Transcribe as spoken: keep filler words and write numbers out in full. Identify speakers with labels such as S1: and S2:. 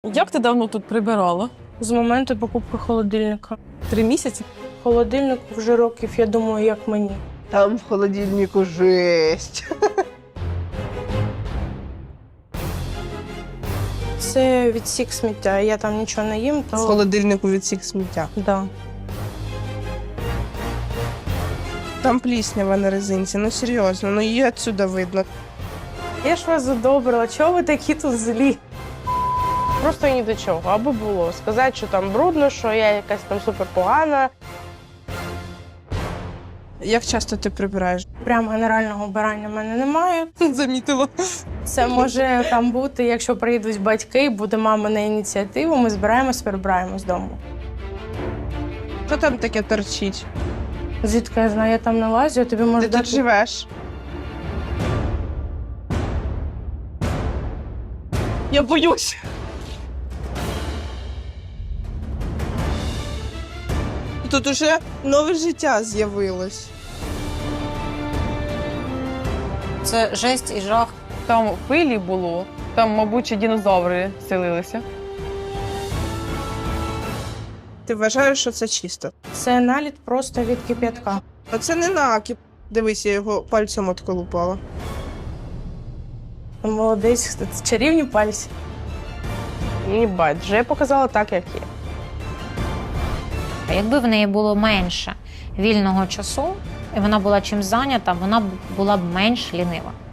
S1: Як ти давно тут прибирала?
S2: З моменту покупки холодильника.
S1: Три місяці?
S2: Холодильнику вже років, я думаю, як мені.
S3: Там в холодильнику жесть.
S2: Це відсік сміття, я там нічого не їм, то...
S3: В холодильнику відсік сміття.
S2: Да.
S3: Там пліснява на резинці, ну серйозно, ну її відсюди видно.
S2: Я ж вас задобрила, чого ви такі тут злі?
S4: Просто ні до чого, аби було. Сказати, що там брудно, що я якась там суперпогана.
S3: Як часто ти прибираєш?
S2: Прям генерального вбирання в мене немає.
S3: Замітила.
S2: Це може там бути, якщо приїдуть батьки, буде мама на ініціативу, ми збираємось, прибираємо з дому.
S3: Що там таке торчить?
S2: Звідки я знаю, я там не лазю, я тобі можу
S3: Ти тут
S2: дати...
S3: живеш? Я боюсь. Тут уже нове життя з'явилось.
S5: Це жесть і жах.
S1: Там пилі було, там, мабуть, ще динозаври селилися.
S3: Ти вважаєш, що це чисто?
S2: Це наліт просто від кип'ятка.
S3: Оце не накіп. Дивись, я його пальцем отколупала.
S2: Молодець, це чарівні пальці.
S4: Мені байдуже, я показала так, як є.
S5: Якби в неї було менше вільного часу, і вона була чим зайнята, вона б була б менш лінива.